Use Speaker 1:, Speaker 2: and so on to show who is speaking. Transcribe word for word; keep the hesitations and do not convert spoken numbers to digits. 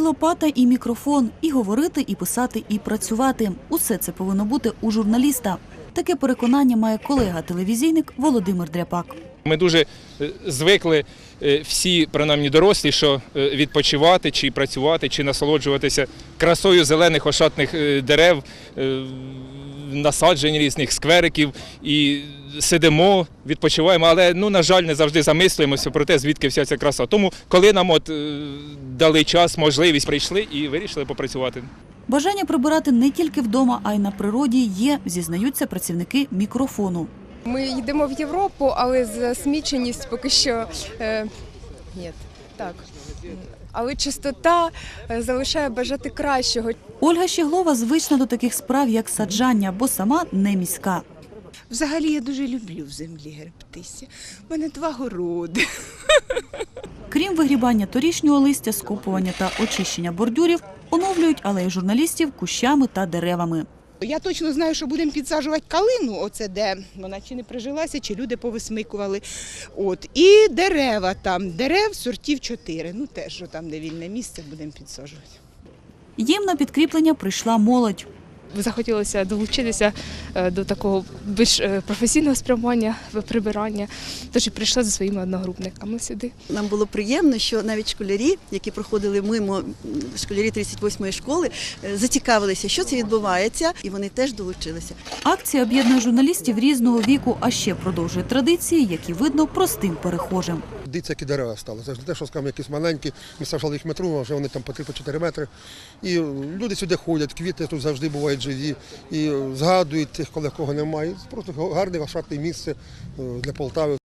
Speaker 1: лопата, і мікрофон, і говорити, і писати, і працювати. Усе це повинно бути у журналіста. Таке переконання має колега-телевізійник Володимир Дряпак.
Speaker 2: Ми дуже звикли всі, принаймні дорослі, що відпочивати, чи працювати, чи насолоджуватися красою зелених ошатних дерев, насаджень різних сквериків і сидимо, відпочиваємо, але, ну, на жаль, не завжди замислюємося про те, звідки вся ця краса. Тому, коли нам от дали час, можливість, прийшли і вирішили попрацювати.
Speaker 1: Бажання прибирати не тільки вдома, а й на природі є, зізнаються працівники мікрофону.
Speaker 3: Ми йдемо в Європу, але засміченість поки що е, ні, так. Але чистота залишає бажати кращого.
Speaker 1: Ольга Щеглова звична до таких справ, як саджання, бо сама не міська.
Speaker 4: Взагалі я дуже люблю в землі гребтися. У мене два городи.
Speaker 1: Крім вигрібання торішнього листя, скопування та очищення бордюрів, оновлюють алеї журналістів кущами та деревами.
Speaker 4: Я точно знаю, що будемо підсаджувати калину, оце де вона чи не прижилася, чи люди повисмикували. От. І дерева там, дерев сортів чотири, ну теж, що там де вільне місце, будемо підсаджувати.
Speaker 1: Їм на підкріплення прийшла молодь.
Speaker 5: Захотілося долучитися до такого більш професійного спрямування, прибирання, тож і прийшла зі своїми одногрупниками сюди.
Speaker 6: Нам було приємно, що навіть школярі, які проходили мимо, школярі тридцять восьмої школи, зацікавилися, що це відбувається, і вони теж долучилися.
Speaker 1: Акція об'єднує журналістів різного віку, а ще продовжує традиції, які видно простим перехожим.
Speaker 7: Дивіться, які дерева стали. Це ж не те, що скажімо, якісь маленькі, ми саджали їх метру, а вже вони там по три-чотири метри. І люди сюди ходять, квіти тут завжди бувають живі, і згадують тих, коли кого немає. Це просто гарне, ошатне місце для Полтави.